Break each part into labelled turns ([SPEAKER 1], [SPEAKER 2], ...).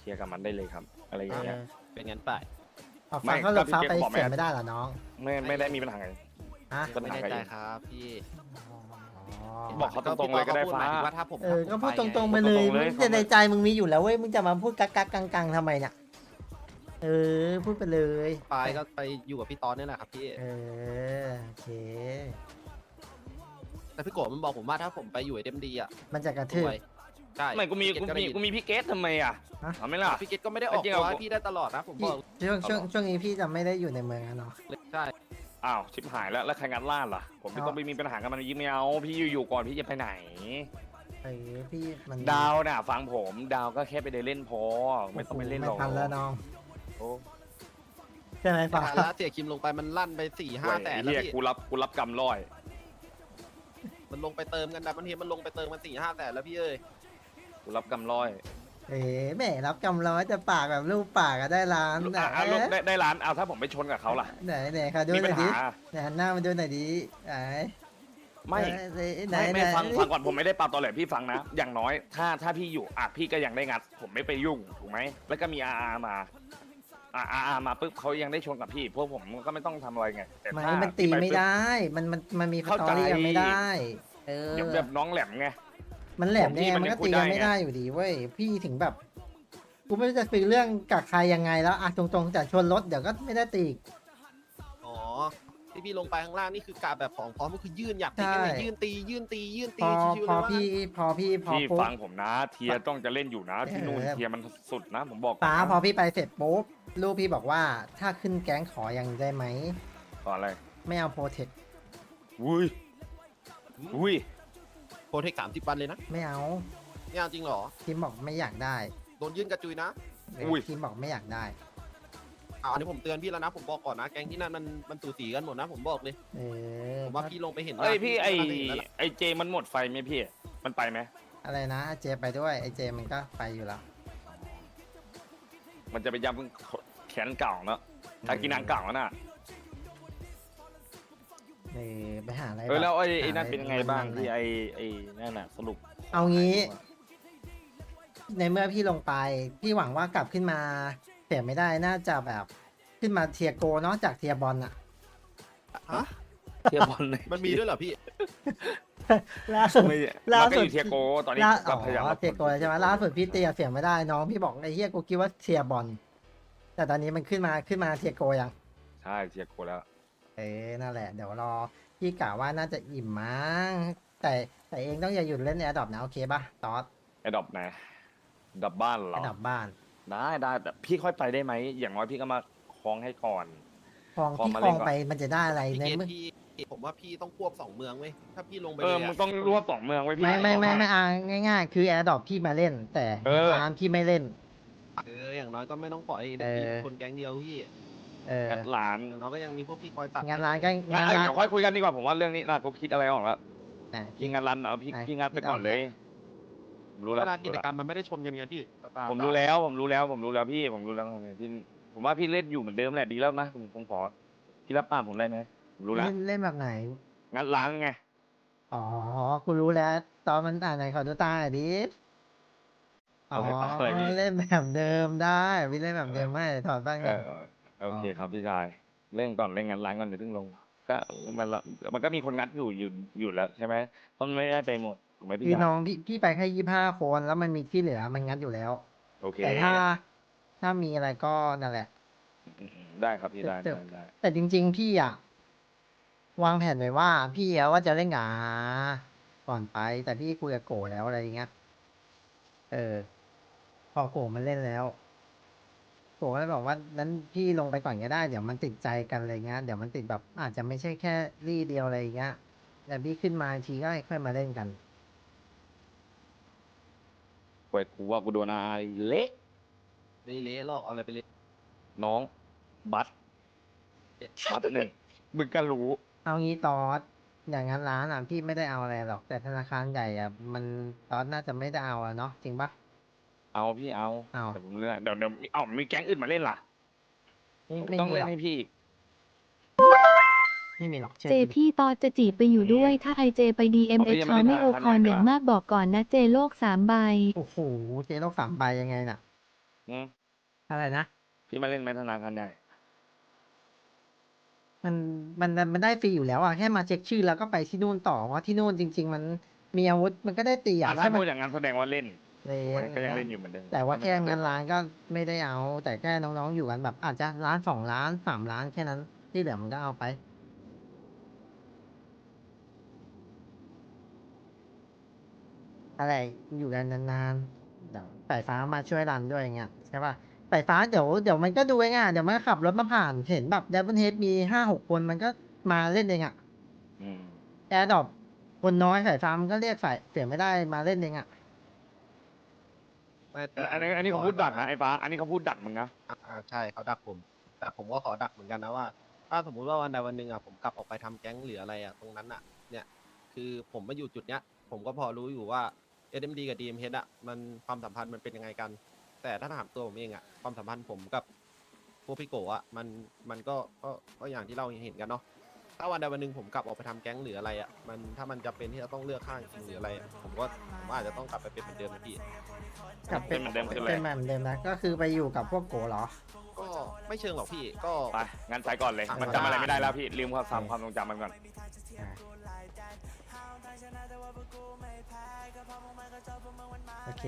[SPEAKER 1] ลียร์กับมันได้เลยครับ อะไรอย่างเงี้ย
[SPEAKER 2] เป็นงั้นไป
[SPEAKER 3] ฟังเขาหลบฟ้าไป
[SPEAKER 1] ก็พี่เจ๊บอกไหม
[SPEAKER 3] เสียไม่ได้เหรอน้อง
[SPEAKER 1] ไม่ได้มีปัญหาไง
[SPEAKER 3] ฮะ
[SPEAKER 1] ปัญ
[SPEAKER 2] ไม่
[SPEAKER 1] หา
[SPEAKER 2] แน่
[SPEAKER 1] กับ
[SPEAKER 2] ใจ
[SPEAKER 1] เอง
[SPEAKER 2] ครับพี่
[SPEAKER 1] บอกเขาตรงๆเลยก็ได้
[SPEAKER 2] พี่ตอ
[SPEAKER 1] ฟ้า
[SPEAKER 2] พูหมยถึงว่าถ้าผม
[SPEAKER 3] ก็พูดต
[SPEAKER 2] ถ้าผม
[SPEAKER 3] รงๆ
[SPEAKER 2] ไป
[SPEAKER 3] ไปเลย
[SPEAKER 1] พูดตรงๆเลย
[SPEAKER 3] มึงจะในใจมึงมีอยู่แล้วเว้ยมึงจะมาพูดกักกักกังกังทำไมเนี่ยพูดไปเลย
[SPEAKER 2] ไปก็ไปอยู่กับพี่ตอนนี่แหละครับพี่
[SPEAKER 3] โอเค
[SPEAKER 2] แต่พี่โกะมันบอกผมว่าถ้าผมไปอยู่ไอเดมดีอ่ะ
[SPEAKER 3] มันจะกระทืบ
[SPEAKER 2] รวยใช่
[SPEAKER 1] ไม่กูมี
[SPEAKER 2] พี่เกตก็ได้ยิน
[SPEAKER 1] พี่เกตทำไมอ่ะ
[SPEAKER 3] ฮะ
[SPEAKER 1] เอาไหม่ล่ะ
[SPEAKER 2] พี่เกตก็ไม่ได้ออก
[SPEAKER 1] จริงๆ
[SPEAKER 2] ตัว
[SPEAKER 1] เอา
[SPEAKER 2] ให้พี่ได้ตลอดนะผมบอก
[SPEAKER 3] ช่วงนี้พี่จะไม่ได้อยู่ในเมืองอะเนาะ
[SPEAKER 2] ใช่
[SPEAKER 1] อ้าวชิบหายแล้วใครงัดล่านล่ะ ผมไม่ต้องไปมีปัญหากับมันยิ่งไม่เอาพี่อยู่ก่อนพี่จะไปไหน
[SPEAKER 3] พี่มัน
[SPEAKER 1] ดาวน่ะฟังผมดาวก็แค่ไปเดินเล่นพอไม่ต้องไปเล่นหรอก
[SPEAKER 3] ไม่ทันแล้วน้อง
[SPEAKER 1] โอ้
[SPEAKER 3] ใช่ไหม
[SPEAKER 2] แต่
[SPEAKER 3] ฟ้า
[SPEAKER 2] แล้วเสียคิมลงไปมันลั่นไป4-5 แสน
[SPEAKER 1] ไอ้
[SPEAKER 2] แล้ว
[SPEAKER 1] เหี้ย
[SPEAKER 2] พี่
[SPEAKER 1] กูรับกรรมร้อย
[SPEAKER 2] มันลงไปเติมกันดับมันเทียมันลงไปเติมกัน4-5 แสนแล้วพี่เอ้ย
[SPEAKER 1] กูรับกรรมร้อย
[SPEAKER 3] แหม่รับกำร้อยจะปากแบบรูปปากก็ได้ล้าน
[SPEAKER 1] ลูกได้ร้านเอาถ้าผมไปชนกับเขาล่ะ
[SPEAKER 3] ไหนเขาดู
[SPEAKER 1] มี
[SPEAKER 3] ห
[SPEAKER 1] ปั
[SPEAKER 3] น่
[SPEAKER 1] ญ
[SPEAKER 3] อยดิ
[SPEAKER 1] หา
[SPEAKER 3] ไหนหันหน้ามาดูหน่อยดิไหน
[SPEAKER 1] ไม่ฟังก่อนผมไม่ได้ปาตอแหลพี่ฟังนะ อย่างน้อยถ้าพี่อยู่พี่ก็ยังได้งัด ผมไม่ไปยุ่งถูกไหมแล้วก็มีอามามาปุ๊บเขายังได้ชนกับพี่พวกผมก็ไม่ต้องทำอะไรไงแต่
[SPEAKER 3] ไม่
[SPEAKER 1] ถ้า
[SPEAKER 3] มันตีไม่ได้ มันมีสตอรี่กันไม่ได้
[SPEAKER 1] เดี๋ยวแบบน้องแหลมไง
[SPEAKER 3] มันแหลมเนี่ยมันก็ตีกันไม่ได้อยู่ดีเว้ยพี่ถึงแบบกูไม่รู้จะคุยเรื่องกับใครยังไงแล้วตรงๆแต่ชนรถเดี๋ยวก็ไม่ได้ตีอีก
[SPEAKER 2] อ๋อที่พี่ลงไปข้างล่างนี่คือกาแบบของพร้อมก็คือยื่นอยากตีกันเนี่ย
[SPEAKER 3] ใช่
[SPEAKER 2] ยื่นตี
[SPEAKER 3] พอ
[SPEAKER 2] ชิวๆ
[SPEAKER 3] พ
[SPEAKER 2] เล
[SPEAKER 3] อย
[SPEAKER 2] ว่า
[SPEAKER 3] พี่ปุ๊บ
[SPEAKER 1] ฟังผมนะ เทียต้องจะเล่นอยู่นะที่นู่นเทียมันสุดนะผมบอก
[SPEAKER 3] ป๋าพอพี่ไปเสร็จปุ๊บลูกพี่บอกว่าถ้าขึ้นแก๊งขอยังได้ไหม
[SPEAKER 1] ตอนอะไร
[SPEAKER 3] ไม่เอาโปรเทค
[SPEAKER 1] อุ้ย
[SPEAKER 2] โปรเทค30 วันเลยนะ
[SPEAKER 3] ไม่เอา
[SPEAKER 2] ไม่เอาจริงเหรอ
[SPEAKER 3] ทีมบอกไม่อยากได้
[SPEAKER 2] โดนยื่นกระจุยนะ
[SPEAKER 3] ทีมบอกไม่อยากได้
[SPEAKER 2] อันนี้ผมเตือนพี่แล้วนะผมบอกก่อนนะแก๊งที่นั่นมันสูสีกันหมดนะผมบอกเลยผมว่าพี่ลงไปเห็น
[SPEAKER 1] เอ้ยพี่ไอ
[SPEAKER 2] น่าจะเห็นแล้วล่ะ
[SPEAKER 1] ไอเจมันหมดไฟไหมพี่มันไปไหม
[SPEAKER 3] อะไรนะเจไปด้วยไอเจมันก็ไปอยู่แล้ว
[SPEAKER 1] มันจะไปย้ำแขนเก่าเนอะถ้ากินนางเก่าน่ะ
[SPEAKER 3] ไปหาอะไร
[SPEAKER 1] แล้วไอ้
[SPEAKER 3] หา
[SPEAKER 1] นั่น
[SPEAKER 3] อะไร
[SPEAKER 1] เป็นไงบ้าง
[SPEAKER 3] มันๆ
[SPEAKER 1] ที่ไอ้นั่นน่ะสรุป
[SPEAKER 3] เอางี้ ในเมื่อพี่ลงไป พี่หวังว่ากลับขึ้นมาเสียไม่ได้น่าจะแบบขึ้นมาเทียโกเนาะจากเทียบอลอะ
[SPEAKER 2] ฮะ
[SPEAKER 1] เทียบอลเลย
[SPEAKER 2] มันมีด้วยเหรอพี่
[SPEAKER 3] ล่าสุด
[SPEAKER 1] ไม่
[SPEAKER 3] ล่า
[SPEAKER 1] มัน
[SPEAKER 3] สุ
[SPEAKER 1] ก็
[SPEAKER 3] ด
[SPEAKER 1] อยู่เทียโกตอนนี้
[SPEAKER 3] ล่า
[SPEAKER 1] ก็พยายาม
[SPEAKER 3] เทียโกใช่ไหมล่าสุดพี่เตียเสียไม่ได้น้องพี่บอกไอ้เฮียกูคิดว่าเทียบอลแต่ตอนนี้มันขึ้นมาเทียโกยัง
[SPEAKER 1] ใช่เทียโกแล้ว
[SPEAKER 3] นั่นแหละเดี๋ยวรอพี่กะว่าน่าจะอิ่มมั้งแต่เองต้องอย่าหยุดเล่นแอร์ดรอปนะโอเคป่ะตอส
[SPEAKER 1] ไอ้ดอบไหนดอบบ้านเหร
[SPEAKER 3] แอ
[SPEAKER 1] อ
[SPEAKER 3] ร์ดรอปบ้าน
[SPEAKER 1] ได้แต่พี่ค่อยไปได้ไหมอย่างน้อยพี่ก็มาคล้องให้ก่อน
[SPEAKER 3] คลอง
[SPEAKER 1] พอ
[SPEAKER 3] พี่
[SPEAKER 1] มา
[SPEAKER 3] ค
[SPEAKER 1] เล่
[SPEAKER 3] ล
[SPEAKER 1] น
[SPEAKER 3] อง
[SPEAKER 1] ก่อน
[SPEAKER 3] ไปมันจะได้อะไร
[SPEAKER 2] พี่
[SPEAKER 3] ใน
[SPEAKER 2] เกต
[SPEAKER 3] เมื่อ
[SPEAKER 2] พี่ผมว่าพี่ต้องควบ2 เมืองเว้ยถ้าพี่ลงไป
[SPEAKER 1] เอ
[SPEAKER 2] เล
[SPEAKER 1] อย มึง
[SPEAKER 2] อะ
[SPEAKER 1] ต้องรวบ2 เมืองไว้พี่
[SPEAKER 3] ไม่ง่ายๆ คือแอร์ดรอปพี่มาเล่น แต่
[SPEAKER 1] เออ
[SPEAKER 3] ร้านพี่ไม่เล่น
[SPEAKER 2] อย่างน้อยก็ไม่ต้องปล่อยเด็กคนแก๊งเดียวพี่
[SPEAKER 1] กัดหลาน
[SPEAKER 2] อย่างน้อยก็ยังมีพวกพี่คอยตัด
[SPEAKER 3] งานร้านก็
[SPEAKER 1] งั้น
[SPEAKER 3] งานร้าน
[SPEAKER 1] เดี๋ยวค่อยคุยกันดีกว่าผมว่าเรื่องนี้น่ากูคิดอะไรออกแล้ว
[SPEAKER 3] นะ
[SPEAKER 1] พี่งานรันเหรอพี่
[SPEAKER 3] ไหน
[SPEAKER 1] พี่งานไปก่อนเลยรู้
[SPEAKER 2] เว
[SPEAKER 1] แล้ว
[SPEAKER 2] ลากิจกรรมมันไม่ได้ชนกันไงพี่
[SPEAKER 1] ผมรู้แล้วพี่ผมรู้แล้วพี่ผมว่าพี่เล่นอยู่เหมือนเดิมแหละดีแล้วนะผมขอพี่รับปากผมได้ไหมผมรู้แล้ว
[SPEAKER 3] เล่นแบบไหน
[SPEAKER 1] งานล้างไง
[SPEAKER 3] อ๋อกูรู้แล้ว ตอนมันอ่านไหนขอดูตาหน่อยดิอ๋อ
[SPEAKER 1] เอาให้ปากเลยพี่
[SPEAKER 3] เล่นแบบเดิมได้พี่เล่นแบบเดิมไม่ถอดบ้าง
[SPEAKER 1] โอเคครับพี่ชายเล่นก่อนเล่นงานล้างก่อนเดี๋ยวถึงลงก็มันก็มีคนงัดอยู่แล้วใช่ไหมเพราะมันไม่ได้ไปหมดถูกไหมพี่
[SPEAKER 3] คือ
[SPEAKER 1] ชาย
[SPEAKER 3] น้องพี่ไปแค่25 คนแล้วมันมีที่เหลือมันงัดอยู่แล้ว
[SPEAKER 1] โอเค
[SPEAKER 3] แต่ถ้ามีอะไรก็นั่นแหละ
[SPEAKER 1] ได้ครับพี่ได้
[SPEAKER 3] แต่จริงๆพี่อะวางแผนไว้ว่าพี่อะว่าจะเล่นหงาก่อนไป แต่พี่คุยกับโกแล้วอะไรอย่างเงี้ยพอโกมันเล่นแล้วโกก็เลยบอกว่านั้นพี่ลงไปก่อนก็ได้เดี๋ยวมันติดใจกันอะไรเงี้ยเดี๋ยวมันติดแบบอาจจะไม่ใช่แค่รี่เดียวอะไรอย่างเงี้ยแต่พี่ขึ้นมาทีก็ค่อยมาเล่นกัน
[SPEAKER 1] เว้ยกูว่ากูโดนอาเละ
[SPEAKER 2] ไม่เละหรอกเอาอะไรไปเละ
[SPEAKER 1] น้องบัตหนึ่งมึงก็รู้
[SPEAKER 3] เอางี้ตอสอย่างนั้นร้านอ่ะพี่ไม่ได้เอาอะไรหรอกแต่ธนาคารใหญ่อ่ะมันตอสน่าจะไม่ได้เอาอะเนาะจริงปะ
[SPEAKER 1] เอาพี่เอา
[SPEAKER 3] เอา
[SPEAKER 1] แต่ผมเลือกเดี๋ยวมีแก๊งอื่นมาเล่นล่ะ
[SPEAKER 3] ไม่
[SPEAKER 1] ต้อง
[SPEAKER 3] มี
[SPEAKER 1] เล่
[SPEAKER 3] หร
[SPEAKER 1] น
[SPEAKER 3] อก
[SPEAKER 1] ให้พี่อีก
[SPEAKER 3] ไม่มีหรอกเชื่อ
[SPEAKER 4] เจ
[SPEAKER 3] พี่
[SPEAKER 4] พี่ตอจะจีบไปอยู่ด้วย ถ้าไอเจไป DMS เขาไม่โอคอนอย่างมากบอกก่อนนะเจโลก3 ใบ
[SPEAKER 3] โอ้โหเจ๊ต้อง3 ใบยังไงน่ะ
[SPEAKER 1] อืม
[SPEAKER 3] อะไรนะ
[SPEAKER 1] พี่มาเล่นไหมธนาคารใหญ่
[SPEAKER 3] มันได้ฟรีอยู่แล้วอ่ะแค่มาเช็คชื่อแล้วก็ไปที่นู่นต่อว่าที่นู่นจริง ๆ มันมีอาวุธมันก็ได้ตีอ่ะ
[SPEAKER 1] ถ้า
[SPEAKER 3] แค่มั
[SPEAKER 1] พู
[SPEAKER 3] น
[SPEAKER 1] ดอย่างนั้นแสดงว่าเล่น
[SPEAKER 3] เลย
[SPEAKER 1] มันก็ยังเล่นอยู่เหมือนเดิม
[SPEAKER 3] แต่ว่าแค่เงินล้านก็ไม่ได้เอา แต่แค่น้องๆอยู่กันแบบอาจจะล้าน2 ล้าน3 ล้านแค่นั้นที่เหลือมันก็เอาไปอะไรอยู่กันนานๆเดี๋ยวสายฟ้ามาช่วยรันด้วยอย่างเงี้ยใช่ป่ะสายฟ้าเดี๋ยวมันก็ดูเองอ่ะเดี๋ยวมันก็ขับรถมาผ่านเห็นแบบดับเบิลเฮดมี5-6 คนมันก็มาเล่นเองอ่ะ
[SPEAKER 1] อืม
[SPEAKER 3] แอร์ดรอปคนน้อยสายฟ้ามันก็เรียกสายเสียไม่ได้มาเล่นเองอ่ะ
[SPEAKER 2] ไม่
[SPEAKER 1] อันนี้เขาพูดดักนะไอ้ฟ้า อันนี้เขาพูดดักมึงนะ
[SPEAKER 2] ใช่เขาดักผม แต่ผมก็ขอดักเหมือนกันนะว่า ถ้าสมมุติว่าวันใดวันหนึ่งผมกลับออกไปทำแก๊งหรืออะไรตรงนั้นเนี่ยคือผมมาอยู่จุดเนี้ย ผมก็พอรู้อยู่ว่า SMD กับ DMH มันความสัมพันธ์มันเป็นยังไงกัน แต่ถ้าถามตัวผมเองความสัมพันธ์ผมกับพวกพี่โกมันก็อย่างที่เราเห็นกันเนาะถ้าวันใดวันหนึ่งผมกลับออกไปทำแก๊งหรืออะไรมันถ้ามันจะเป็นที่จะต้องเลือกข้างจริงหรืออะไรผมอาจจะต้องกลับไปเป็นเหมือนเดิมนะพี่
[SPEAKER 3] กลับเป็น
[SPEAKER 1] เป็นเหมือนเดิมคืออะไร
[SPEAKER 3] เป็นแบบเดิมนะก็คือไปอยู่กับพวกโกเหรอ
[SPEAKER 2] ก็ไม่เชิงหรอกพี่ก็
[SPEAKER 1] ไปงั้นใส่ก่อนเลย มันจำอะไรไม่ได้แล้วพี่ ลืมความทรงจำมันก่อน
[SPEAKER 3] อ่ะโอเค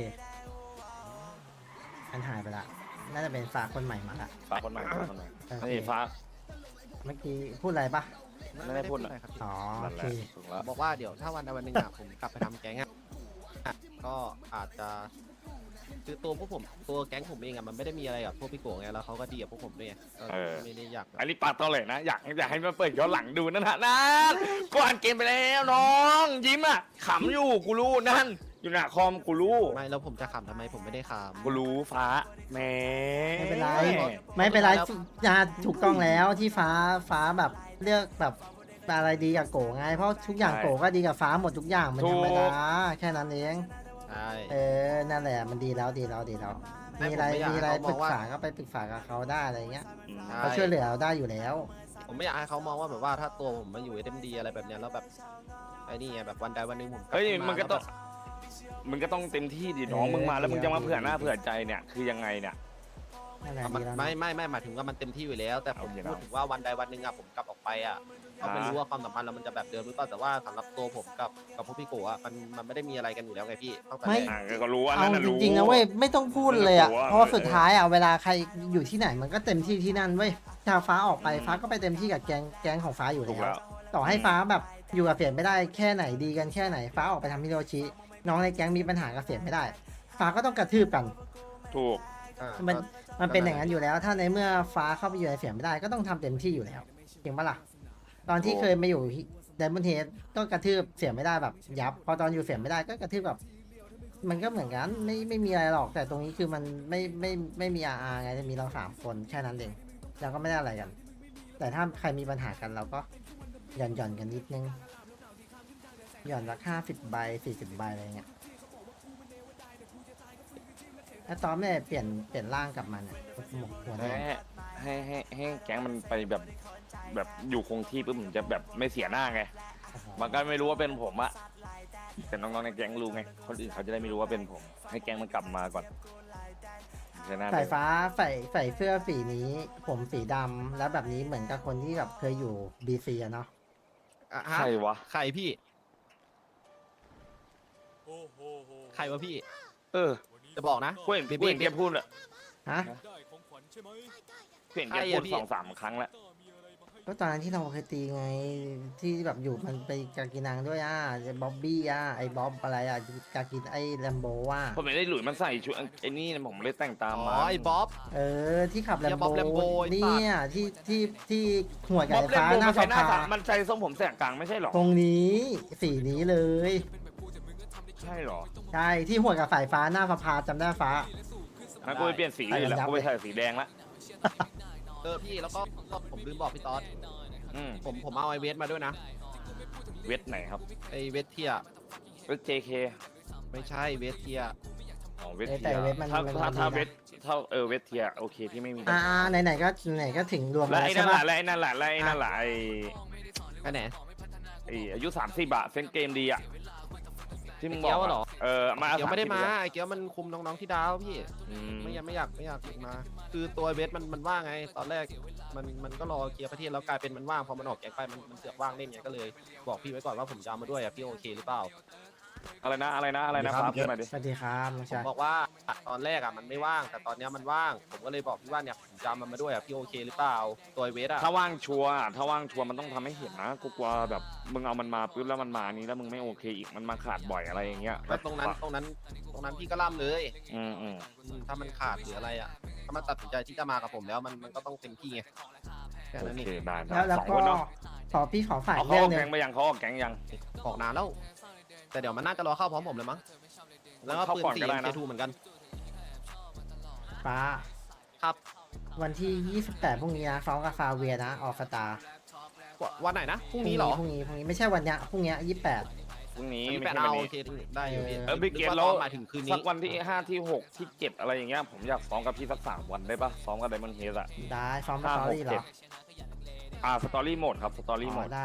[SPEAKER 3] อันหายไปละน่าจะเป็นฝากคนใหม่มาละ
[SPEAKER 1] ฟ้าคนใหม่ฟ้าคนใหม่
[SPEAKER 3] โอเค
[SPEAKER 1] นี่ฟ้า
[SPEAKER 3] เมื่อกี้พูดอะไรปะ
[SPEAKER 1] ไม่ได้พูด
[SPEAKER 2] อะไรครับพี่
[SPEAKER 3] อ๋อโอ
[SPEAKER 1] นั่นแห
[SPEAKER 3] เค
[SPEAKER 1] ละถูกแล้ว
[SPEAKER 2] บอกว่าเดี๋ยวถ้าวันใดวันหนึ่งผมกลับไปทำแก๊งก็อาจจะคือตัวแก๊งผมเองมันไม่ได้มีอะไรกับพวกพี่โกงไงแล้วเขาก็ดีกับพวกผมด้วยไงก็ไม่ได้อยาก
[SPEAKER 1] อันนี้ปากตอเลยนะ อยากให้มาเปิดย้อนหลังดูนั่นนะก่อนเกมไปแล้วน้องยิ้มอ่ะขำอยู่กูรู้นั่น อยู่หน้าคอมกูรู้
[SPEAKER 2] ไม่แล้วผมจะขำทำไมผมไม่ได้ขำ
[SPEAKER 1] กูรู้ฟ้าแหม
[SPEAKER 3] ไม่เป็นไรไม่เป็นไรจะถูกต้องแล้วที่ฟ้าแบบเลือกแบบอะไรดีกับโกไงเพราะทุกอย่างโกก็ดีกับฟ้าหมดทุกอย่างมันธรรมดาแค่นั้นเอง
[SPEAKER 2] ใช่
[SPEAKER 3] นั่นแหละมันดีแล้วมีอะไรปรึกษาก็ไปปรึกษากับเขาได้อะไรเงี้ยเขาช่วยเหลือเราได้อยู่แล้ว
[SPEAKER 2] ผมไม่อยากให้เขามองว่าแบบว่าถ้าตัวผมมาอยู่ SMD อะไรแบบเนี้ยแล้วแบบไอ้นี่ไงแบบวันใดวันหนึ่งผม
[SPEAKER 1] เฮ้ยมึงก็ต้องเต็มที่ดิน้องมึงมาแล้วมึงจะมาเผื่อหน้าเผื่อใจเนี่ยคือยังไงเนี่ย
[SPEAKER 3] นั่นแหละ
[SPEAKER 2] มัน
[SPEAKER 3] ดีแล้ว
[SPEAKER 2] ไม่หมายถึงว่ามันเต็มที่อยู่แล้ว แต่ผม
[SPEAKER 1] โอเค
[SPEAKER 2] พูดถึงว่าวันใดวันหนึ่งผมกลับออกไปก็ไม่รู้ว่าความสัมพันธ์เรามันจะแบบเดิมหรือเปล่าแต่ว่าสำหรับตัวผมกับพวกพี่โกมันไม่ได้มีอะไรกันอยู่แล้วไงพี่ตั้งแต่แรก
[SPEAKER 1] ก็รู้ว่า
[SPEAKER 3] เอา
[SPEAKER 1] นั่นน่ะ
[SPEAKER 3] จ
[SPEAKER 1] รู้
[SPEAKER 3] ริงๆนะเว้ยไม่ต้องพูดเลยอ่ะ
[SPEAKER 1] รู้ว่า
[SPEAKER 3] เพราะว่าสุดท้ายอ่ะเวลาใครอยู่ที่ไหนมันก็เต็มที่ที่นั่นเว้ยถ้าฟ้าออกไปฟ้าก็ไปเต็มที่กับแก๊งของฟ้าอยู่
[SPEAKER 1] ถูก
[SPEAKER 3] แล้
[SPEAKER 1] แล้ว ว
[SPEAKER 3] ต่อให้ฟ้าแบบอยู่กับเสียไม่ได้แค่ไหนดีกันแค่ไหนฟ้าออกไปทำฮิโรชิน้องในแก๊งมีปัญหากับเสียไม่ได้ ฟ้าก็ต้องกระทืบกัน
[SPEAKER 1] ถูก
[SPEAKER 3] มันเป็นอย่างนั้นอยู่แล้ว ถ้าในเมื่อฟ้าเข้าไปอยู่ในเสียไม่ได้ก็ต้องทำเต็มที่อยู่แล้วจริงปะล่ะตอนที่เคยมาอยู่ไดมอนเฮดก็กระทืบเสียไม่ได้แบบยับ พอตอนอยู่เสียไม่ได้ก็กระทืบแบบมันก็เหมือนกันไม่มีอะไรหรอก แต่ตรงนี้คือมันไม่มีอาไงจะมีเรา3 คนแค่นั้นเองเราก็ไม่ได้อะไรกัน แต่ถ้าใครมีปัญหากันเราก็หย่อนกันนิดนึงหย่อนละ50 ใบ40 ใบอะไรเงี้ยแล้วตอนไม่ได้เปลี่ยนร่างกลับมาเนี่ยหัวแดง
[SPEAKER 1] ให้แก๊งมันไปแบบอยู่คงที่ปุ๊บผมจะแบบไม่เสียหน้าไง มันก็ไม่รู้ว่าเป็นผมอะแต่น้องๆในแก๊งรู้ไง คนอื่นเขาจะได้ไม่รู้ว่าเป็นผม ให้แก๊งมันกลับมาก่อนจะน่า
[SPEAKER 3] สายฟ้าใส่เสื้อสีนี้ ผมสีดำแล้วแบบนี้เหมือนกับคนที่แบบเคยอยู่บีซีอะเนาะ
[SPEAKER 1] ใช่วะ
[SPEAKER 2] ใครพี่ใครวะพี่
[SPEAKER 1] เออ
[SPEAKER 2] จะบอกนะ
[SPEAKER 1] กูเห็นแกพูดอะ
[SPEAKER 3] ฮะ
[SPEAKER 1] กูเห็นแกพูด2-3 ครั้งแล้ว
[SPEAKER 3] ก็ตอนนั้นที่เราเคยตีไงที่แบบอยู่มันไปกากินังด้วยบ๊อบบี้ไอ้บ๊อบอะไรกากินไอ้แลมโบว่า
[SPEAKER 1] ผมไม่ได้หลุยมันใส่ชุดไอ้นี่นะผมเลยแต่งตาม
[SPEAKER 2] อ๋
[SPEAKER 1] มา
[SPEAKER 2] อไอ้บ๊อบ
[SPEAKER 3] ที่ขับแลม
[SPEAKER 2] บ๊อบ
[SPEAKER 3] โบ
[SPEAKER 2] Lambo ไอ้สัตว์
[SPEAKER 3] เนี่ยที่หัวใหญ่
[SPEAKER 1] บ๊อบเล่น
[SPEAKER 3] ฟ้า
[SPEAKER 1] โบ
[SPEAKER 3] หน้า
[SPEAKER 1] มันใส่หน้า
[SPEAKER 3] ฟ้า
[SPEAKER 1] มันใส่ทรงผมแสกกลางไม่ใช่หรอ
[SPEAKER 3] ตรงนี้สีนี้เลย
[SPEAKER 1] ใช่หรอ
[SPEAKER 3] ใช่ที่หัวกับสายฟ้าหน้าฟ้าจำได้ฟ้า
[SPEAKER 1] งั้นกูไปเปลี่ยนสีอื่นละกูไปใส่สีแดงละ
[SPEAKER 2] พี่แล้วก็ผมลืมบอกพี่ต๊อด
[SPEAKER 1] อืม
[SPEAKER 2] ผมเอาไอเวสมาด้วยนะ
[SPEAKER 1] เวทไหนครับ
[SPEAKER 2] ไอเวสเทีย
[SPEAKER 1] เวท JK
[SPEAKER 2] ไม่ใช่เวสเทีย
[SPEAKER 1] อ๋อเวท
[SPEAKER 3] แต่
[SPEAKER 1] เทีย
[SPEAKER 3] เวทมัน
[SPEAKER 1] ถ้า
[SPEAKER 3] มัน
[SPEAKER 1] ถ้า
[SPEAKER 3] ดีนะ
[SPEAKER 1] ถ้าเวทเท่าเวทเทียโอเคพี่ไม่มี
[SPEAKER 3] ไหนก็ถึงรวม
[SPEAKER 1] แล้ว
[SPEAKER 3] แล้ว
[SPEAKER 1] ไอ้
[SPEAKER 3] ใช่
[SPEAKER 1] นั่นแห
[SPEAKER 3] ปะ
[SPEAKER 1] ละแล้วไอ้นั่นแหละแล้วไอ้นั่นแหละไอ้
[SPEAKER 2] อันไหน
[SPEAKER 1] อายุ30อะเซนเกมดีอะที่มึง
[SPEAKER 2] ไอ้
[SPEAKER 1] บ
[SPEAKER 2] เกี๊
[SPEAKER 1] อย ก
[SPEAKER 2] วเหรอ
[SPEAKER 1] มา
[SPEAKER 2] เกียวไม่ได้มา
[SPEAKER 1] 30
[SPEAKER 2] ไอ้เกียวมันคุมน้องๆที่ดาวพี่
[SPEAKER 1] อืม
[SPEAKER 2] ไม่อยากมา คือตัวเวสมันว่างไง ตอนแรกมันก็รอเคลียร์ประเทศแล้วกลายเป็นมันว่างพอมันออกแก๊งไปมันเสือกว่างเล่นไงก็เลยบอกพี่ไว้ก่อนว่าผมจะเอามาด้วยอ่ะพี่โอเคหรือเปล่า
[SPEAKER 1] อะไรนะครับขึ้นมาดิ
[SPEAKER 3] สวัสดีครับน้อง
[SPEAKER 2] ผม
[SPEAKER 3] ชาย
[SPEAKER 2] บอกว่าตอนแรกอ่ะมันไม่ว่างแต่ตอนเนี้ยมันว่าง ผมก็เลยบอกพี่ว่าเนี่ยผมจะเอามันมาด้วยอ่ะพี่โอเคหรือเปล่าตัวเวสอ่ะ
[SPEAKER 1] ถ้าว่างชัวร์มันต้องทำให้เห็นนะกูกลัวแบบมึงเอามันมาปุ๊บแล้วมันมานี้แล้วมึงไม่โอเคอีกมันมาขาดบ่อยอะไรอย่างเงี้ย
[SPEAKER 2] แล้วตรงนั้นพี่ก็ล่ำเลย
[SPEAKER 1] อืม
[SPEAKER 2] ถ้ามันขาดหรืออะไรอ่ะถ้ามันตัดสินใจที่จะมากับผมแล้วมันก็ต้องเต็มที่ไงแค่
[SPEAKER 1] โอ
[SPEAKER 2] นั้นเอ
[SPEAKER 1] เค
[SPEAKER 2] ง
[SPEAKER 1] ได้
[SPEAKER 3] แล้ว
[SPEAKER 1] สอง
[SPEAKER 3] ก็
[SPEAKER 1] คนเนาะ
[SPEAKER 3] พี่ขอฝาก
[SPEAKER 1] เอาเขา
[SPEAKER 3] เรื่
[SPEAKER 1] อ
[SPEAKER 3] อ
[SPEAKER 1] อง ก
[SPEAKER 3] หนึ
[SPEAKER 1] แก๊
[SPEAKER 3] ง
[SPEAKER 1] งไปยังเขาออกแก๊งยัง
[SPEAKER 2] ออกนานแล้ว แต่เดี๋ยวมันน่าจะรอเข้าพร้อมผมเลยมั้งแล้วก็
[SPEAKER 1] เข้า
[SPEAKER 2] ปืน
[SPEAKER 1] ก่อน
[SPEAKER 2] สี
[SPEAKER 1] ก็ได้นะ
[SPEAKER 2] เทูเหมือนกัน
[SPEAKER 3] ฟ้า
[SPEAKER 2] ครับ
[SPEAKER 3] วันที่ 28พรุ่งนี้นะฟ้องกับฟาเวียนะออกสตาร์
[SPEAKER 2] วันไหนนะพรุ่งนี้เหรอ
[SPEAKER 3] พรุ่งนี้ไม่ใช่วันเนี้ยพรุ่งนี้28
[SPEAKER 1] พรุ่งนี้
[SPEAKER 2] วัน
[SPEAKER 1] ไม่
[SPEAKER 2] ที่แปด
[SPEAKER 1] ใช่
[SPEAKER 2] เอา
[SPEAKER 1] วัน
[SPEAKER 2] โอ
[SPEAKER 1] นี้
[SPEAKER 2] เคได้อยู่พี่
[SPEAKER 1] พี่เกม
[SPEAKER 2] นึ
[SPEAKER 1] แล้ว
[SPEAKER 2] ว่าหมายถึงคืน
[SPEAKER 1] สั
[SPEAKER 2] นี้
[SPEAKER 1] กวันที่5ที่6ที่7อะไรอย่างเงี้ยผมอยากซ้อมกับพี่สัก3 วันได้ปะซ้อมกับไดมอนด์เฮดอะ
[SPEAKER 3] ได้ฟ้องส
[SPEAKER 1] 5
[SPEAKER 3] ตอ
[SPEAKER 1] 6
[SPEAKER 3] รี่เหรอ
[SPEAKER 1] 7สตอรี่โหมดครับสตอรี่โหม
[SPEAKER 3] อ๋อ
[SPEAKER 1] ด
[SPEAKER 3] ได้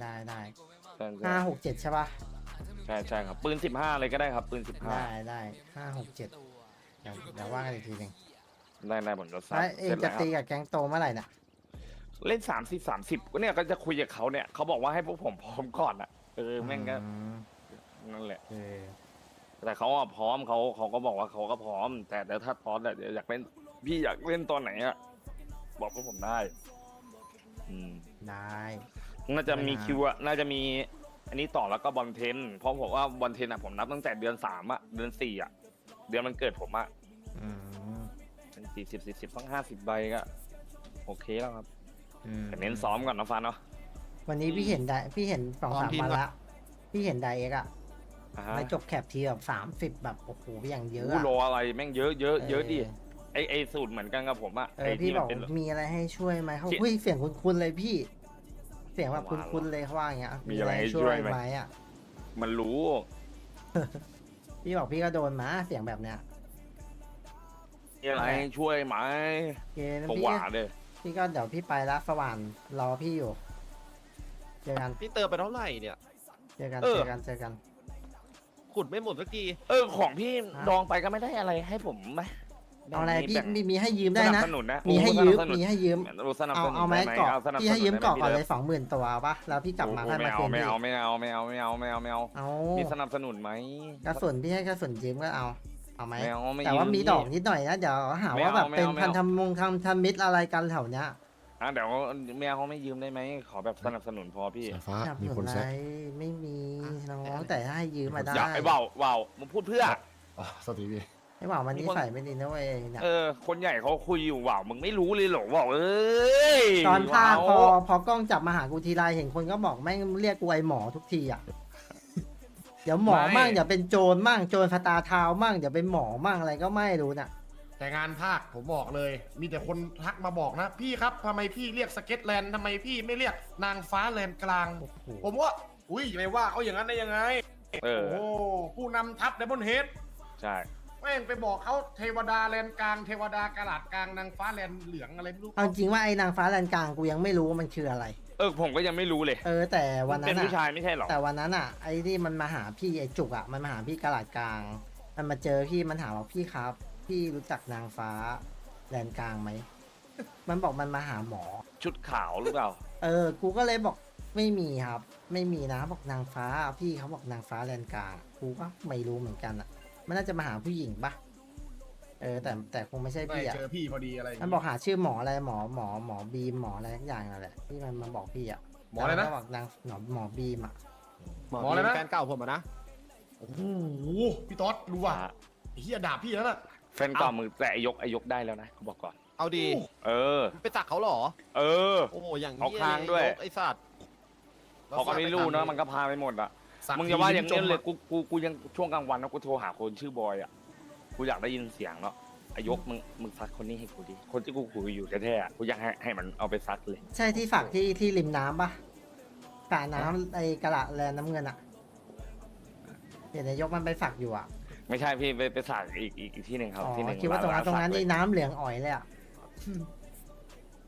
[SPEAKER 3] 5 6 7ใช่ปะ
[SPEAKER 1] ใช่ครับปืน15เลยก็ได้ครับปืน15
[SPEAKER 3] ได้5 6 7เดี๋ยวว่ากันอีกทีหนึง
[SPEAKER 1] ได้ผมจะซั
[SPEAKER 3] แล้วเอง
[SPEAKER 1] เสร็จ
[SPEAKER 3] จะ
[SPEAKER 1] แล้ว
[SPEAKER 3] ตีกับแก๊งโตเมื่อไหร่น่ะ
[SPEAKER 1] เล่น30ก็เนี่ยก็จะคุยกับเขาเนี่ยเขาบอกว่าให้พวกผมพร้อมก่อนอะแม่งก็
[SPEAKER 3] อืม
[SPEAKER 1] นั่นแหละ
[SPEAKER 3] เออ
[SPEAKER 1] แต่เขาอะพร้อมเขาก็บอกว่าเขาก็พร้อม แต่ถ้าพร้อมแต่อยากเล่นพี่อยากเล่นตอนไหนอะบอกพวกผมได้ อืม
[SPEAKER 3] ได้
[SPEAKER 1] น่าจะมีคิวอะน่าจะมีอันนี้ต่อแล้วก็บอลเทนเพราะผมว่าบอลเทนอะผมนับตั้งแต่เดือน3อะเดือน4อะเดือนมันเกิดผมอะ
[SPEAKER 3] อืม
[SPEAKER 1] เป็น40ต้อง50 ใบก็โอเคแล้วครับ
[SPEAKER 3] อืม
[SPEAKER 1] แต่เน้นซ้อมก่อนนะฟันเนาะ
[SPEAKER 3] วันนี้พี่เห็น2-3 วันละพี่เห็นไดเอ็กอะ
[SPEAKER 1] อ่าฮะ
[SPEAKER 3] ไม่จบแคปทีแบบ30แบบโอ้โหอย่างเยอะ
[SPEAKER 1] อู้
[SPEAKER 3] อะ
[SPEAKER 1] รออะไรแม่งเยอะดิไอสูตรเหมือนกันกับผมอะ
[SPEAKER 3] เอ
[SPEAKER 1] ไอ
[SPEAKER 3] อพี่
[SPEAKER 1] ที่
[SPEAKER 3] บ
[SPEAKER 1] มั
[SPEAKER 3] อน ก
[SPEAKER 1] เป็น
[SPEAKER 3] มีอะไรให้ช่วยไหมเขา
[SPEAKER 1] ที่
[SPEAKER 3] เฮ้ยเสียงคุ้นๆเลยพี่ เสียงแบบคุ้นๆเลยเขาว่าอย่างเงี้ย
[SPEAKER 1] มีอะไรให้ช่วยไหม
[SPEAKER 3] อะ
[SPEAKER 1] มันรู้
[SPEAKER 3] พี่บอกพี่ก็โดนมาเสียงแบบเนี้ย
[SPEAKER 1] มีอะไรให้ช่วยไหม
[SPEAKER 3] โอเคนะ
[SPEAKER 1] ผม
[SPEAKER 3] พี่
[SPEAKER 1] หวาเลย
[SPEAKER 3] พี่ก็เดี๋ยวพี่ไปละสว่านรอพี่อยู่เจอกัน
[SPEAKER 2] พี่เติมไปเท่าไหร่เนี่ย
[SPEAKER 3] เจอกัน
[SPEAKER 1] เออ
[SPEAKER 3] เจอกัน
[SPEAKER 2] ขุดไม่หมดสักที
[SPEAKER 1] ของพี่ดองไปก็ไม่ได้อะไรให้ผมไหม
[SPEAKER 3] เอาอะไรพี่
[SPEAKER 1] แบ่ง
[SPEAKER 3] มีให้ยืมได้
[SPEAKER 1] สนั
[SPEAKER 3] นะ
[SPEAKER 1] บสนุนนะ
[SPEAKER 3] มีให้ยืม
[SPEAKER 1] สนับสนุน
[SPEAKER 3] มีให้ยืม
[SPEAKER 1] สนับสนุน
[SPEAKER 3] เอาไหม
[SPEAKER 1] ด้
[SPEAKER 3] เกาะ
[SPEAKER 1] สนับสนุน
[SPEAKER 3] พี่ให้ยืมเกาะก่อนเลย
[SPEAKER 1] ได้ไห
[SPEAKER 3] 20,000 ตัวปะแล้วพี่กลับมาให้มาคืน
[SPEAKER 1] ไม่
[SPEAKER 3] พี่
[SPEAKER 1] เอา
[SPEAKER 3] เอา
[SPEAKER 1] มีสนับสนุนไหม
[SPEAKER 3] กระสุนพี่ให้กระสุนยืมก็เอาไหม
[SPEAKER 1] ไม่เอาไม่
[SPEAKER 3] แต่ว่า
[SPEAKER 1] ยื
[SPEAKER 3] มีดอกนิดหน่อยนะเดี๋ยวหาว่าแบบ
[SPEAKER 1] ไม่
[SPEAKER 3] เป็น
[SPEAKER 1] เอาไม่
[SPEAKER 3] พัน
[SPEAKER 1] เอา
[SPEAKER 3] ธมงทำมิตรอะไรกันแถวเนี้ย
[SPEAKER 1] เดี๋ยวไม่เอาเขาไม่ยืมได้ไหมขอแบบสนับสนุนพอพี่
[SPEAKER 5] สายฟ้า
[SPEAKER 3] จับ
[SPEAKER 5] มี
[SPEAKER 3] หนุ
[SPEAKER 5] คน
[SPEAKER 3] น
[SPEAKER 5] แซ
[SPEAKER 3] อะไร
[SPEAKER 5] ก
[SPEAKER 3] ไม่มีน้องแต่ถ้าให้ยืมมาได้
[SPEAKER 1] อย่าไอ้เบามึงพูดเพื่อ
[SPEAKER 5] อ๋อสวัสดีพี่
[SPEAKER 3] ไอ้บ่าวมันนิสัยไม่ดีนะเว้ยเนี่ย
[SPEAKER 1] คนใหญ่เขาคุยอยู่ว่าวมึงไม่รู้เลยเหรอว่าวเอ้ย
[SPEAKER 3] ตอนภาค
[SPEAKER 1] ว่าว
[SPEAKER 3] พอกล้องจับมาหากูทีไรเห็นคนก็บอกแม่งเรียกกูไอหมอทุกทีอ่ะ เดี๋ยวหมอมั่งเดี๋ยวเป็นโจรมั่งโจรฟาตาเท้ามั่งเดี๋ยวเป็นหมอมั่งอะไรก็ไม่รู้น่ะ
[SPEAKER 5] แต่งานภาคผมบอกเลย มีแต่คนทักมาบอกนะ พี่ครับทำไมพี่เรียกสเก็ตแลนด์ทำไมพี่ไม่เรียกนางฟ้าแลนด์กลาง
[SPEAKER 3] โอ้โห
[SPEAKER 5] ผมว่า อุ้ยไม่ว่าเขาอย่างนั้นได้ยังไง
[SPEAKER 1] เออ
[SPEAKER 5] โอ้โหผู้นำทัพในบนเฮด
[SPEAKER 1] ใช่
[SPEAKER 5] แม่งไปบอกเขาเทวดาแลนด์กลาง เทวดากระดาษกลางนางฟ้าแลนด์เหลืองอะไรไม่รู้
[SPEAKER 3] เอาจริงว่าไอ้นางฟ้าแลนกลางกูยังไม่รู้ว่ามันคืออะไร
[SPEAKER 1] ผมก็ยังไม่รู้เลย
[SPEAKER 3] แต่วันนั้
[SPEAKER 1] เป็น
[SPEAKER 3] น
[SPEAKER 1] ผู้ชา
[SPEAKER 3] อ่ะ
[SPEAKER 1] ยไม่ใช่หรอ
[SPEAKER 3] แต่วันนั้นอ่ะไอ้ที่มันมาหาพี่ไอ้จุกอ่ะมันมาหาพี่กระดาษกลาง มันมาเจอพี่มันถามว่าพี่ครับ พี่รู้จักนางฟ้าแลนกลางไหม มันบอกมันมาหาหมอ
[SPEAKER 1] ชุดขาวหรือเปล่า
[SPEAKER 3] กูก็เลยบอกไม่มีครับ ไม่มีนะบอกนางฟ้าพี่เขาบอกนางฟ้าแลนกลางกูก็ไม่รู้เหมือนกันอ่ะ มันน่าจะมาหาผู้หญิงปะแต่คงไม่ใช่
[SPEAKER 5] ไม่
[SPEAKER 3] พี่อ่ะ
[SPEAKER 5] เจอพี่พอดีอะไรอย่าง
[SPEAKER 3] มัน
[SPEAKER 5] งี้
[SPEAKER 3] บอกหาชื่อหมออะไรหมอบีมหมออะไรทุกอย่างนั่นแหละที่มันมาบอกพี่อ่ะ
[SPEAKER 5] หมออะไรนะ
[SPEAKER 3] แล้วก็บอกนางหมอบีมอ่ะ
[SPEAKER 2] หมอ
[SPEAKER 5] หมออะไรนะ
[SPEAKER 2] แฟนเก่าผมอะนะ
[SPEAKER 5] โอ้โหพี่ต๊อดรู้ว่ะไอ้เฮียด่าพี่แล้วน่ะ
[SPEAKER 1] แฟนเก่ามือแต่ไอ้ยกได้แล้วนะบอกก่อน
[SPEAKER 2] เอาดี
[SPEAKER 1] เออ
[SPEAKER 2] ไปตักเขาเหรอ
[SPEAKER 1] เออ
[SPEAKER 2] โอ้โหอย่าง
[SPEAKER 1] เอาคางด้วย
[SPEAKER 2] ไอ้สัตว์
[SPEAKER 1] เขาก็ไม่รู้เนอะมันก็พาไปหมดอะ
[SPEAKER 5] สัก
[SPEAKER 1] มึงอย่าว่าอย่าง
[SPEAKER 5] ที
[SPEAKER 1] นี้เลย
[SPEAKER 5] จม
[SPEAKER 1] กูยังช่วงกลางวันนะกูโทรหาคนชื่อบอยอะกูอยากได้ยินเสียงเนาะไอ้ยกมึงซักคนนี้ให้กูดิคนที่กูคุยอยู่แท้ๆอะกูอยากให้มันเอาไปซักเลย
[SPEAKER 3] ใช่ที่ฝักที่ริมน้ำปะสระน้ำไอ้กระละแลน้ำเงินอ่ะเดี๋ยวนายกมันไปฝักอยู่อ่ะ
[SPEAKER 1] ไม่ใช่พี่ไปสักอีกที่หนึ่งครับ
[SPEAKER 3] อ๋อ
[SPEAKER 1] ที่หนึ่ง
[SPEAKER 3] คิดว่าตรงนั้น
[SPEAKER 1] สัก
[SPEAKER 3] นี่
[SPEAKER 1] เลย
[SPEAKER 3] น้ำเหลืองอ่อยเลยอ่ะ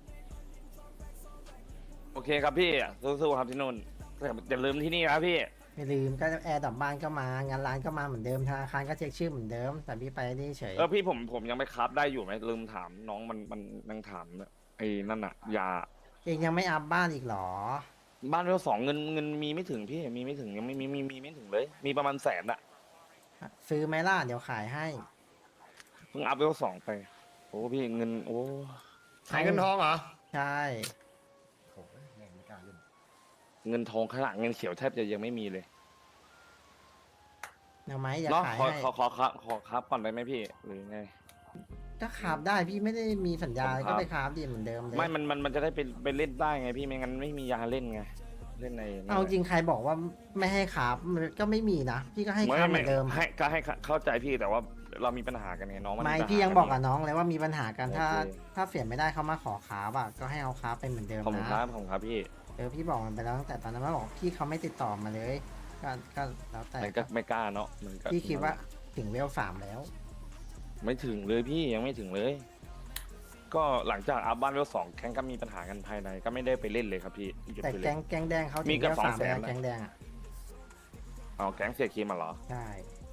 [SPEAKER 1] โอเคครับพี่สู้ๆครับที่นู่นแต่อย่าลืมที่นี่นะพี่
[SPEAKER 3] ไม่ลืมก็แอร์ดับบ้านก็มางานร้านก็มาเหมือนเดิมธนาคารก็เช็คชื่อเหมือนเดิม แต่พี่ไปนี่เฉย
[SPEAKER 1] พี่ผมยังไม่ครับได้อยู่ไหมลืมถามน้องมันยังถามไอ้นั่นอะยา
[SPEAKER 3] เองยังไม่อัพบ้านอีกเหรอ
[SPEAKER 1] บ้านเวลสองเงินมีไม่ถึงพี่มีไม่ถึงยังไม่มีไม่ถึงเลย มีประมาณแสนอะ
[SPEAKER 3] ซื้อไหมล่ะเดี๋ยวขายให้
[SPEAKER 1] เพิ่งอัพเวลสองไปโอ้พี่เงินโอ้
[SPEAKER 5] ขายเงินทองเหรอ
[SPEAKER 3] ใช่
[SPEAKER 5] โอ้ยแม่งไม่กล้าเล่น
[SPEAKER 1] เงินทองข้างหลังเงินเขียวแทบจะยังไม่มีเลย
[SPEAKER 3] เอาไหมอย่า
[SPEAKER 1] เนาะ
[SPEAKER 3] ขาย
[SPEAKER 1] ขอ
[SPEAKER 3] ให้
[SPEAKER 1] ครับก่อนได้ไหมพี่หรือไง
[SPEAKER 3] ก็ขับได้พี่ไม่ได้มีสัญญา
[SPEAKER 1] ผมครับ
[SPEAKER 3] ก็ไปขับดีเหมือนเดิมเลย
[SPEAKER 1] ไม่มันจะได้ไปเล่นได้ไงพี่ไม่งั้นไม่มียาเล่นไงเล่นในนั่น
[SPEAKER 3] เอาจริงใครบอกว่าไม่ให้ขับก็ไม่มีนะพี่ก็ให้ขับเหมือนเดิม
[SPEAKER 1] ให้ก็ให้เข้าใจพี่แต่ว่าเรามีปัญหากันไงน้องมัน
[SPEAKER 3] ไม่
[SPEAKER 1] ปัญหา
[SPEAKER 3] พี่ยังบอกกับน้องเลยว่ามีปัญหากันถ้า
[SPEAKER 1] โอเค
[SPEAKER 3] ถ้าเสียไม่ได้เขามาขอขาบอะก็ให้เอาขาไปเหมือนเดิม
[SPEAKER 1] ผม
[SPEAKER 3] นะครับ
[SPEAKER 1] ผมครับพี่
[SPEAKER 3] พี่บอกมันไปแล้วตั้งแต่ตอนนั้นมันบอกพี่เขาไม่ติดต่อมาเลย ก็แล้วแต่
[SPEAKER 1] มันก็ไม่กล้าเนาะมันก็
[SPEAKER 3] พี่คิดว่าถึงเวล3แล้ว
[SPEAKER 1] ไม่ถึงเลยพี่ยังไม่ถึงเลย ก็หลังจากอัพบ้านเวลสองแข่งก็มีปัญหากันภายในก็ไม่ได้ไปเล่นเลยครับพี่หยุด
[SPEAKER 3] แต่
[SPEAKER 1] ไปเล
[SPEAKER 3] แก๊
[SPEAKER 1] ย
[SPEAKER 3] งแดงเขา
[SPEAKER 1] มี
[SPEAKER 3] ถึง
[SPEAKER 1] กับ
[SPEAKER 3] เวล3
[SPEAKER 1] 200,000
[SPEAKER 3] แล้ว
[SPEAKER 1] นะ
[SPEAKER 3] แก๊งแดงอะ
[SPEAKER 1] เอาแก๊งเสียคิมมาเหรอ
[SPEAKER 3] ใช่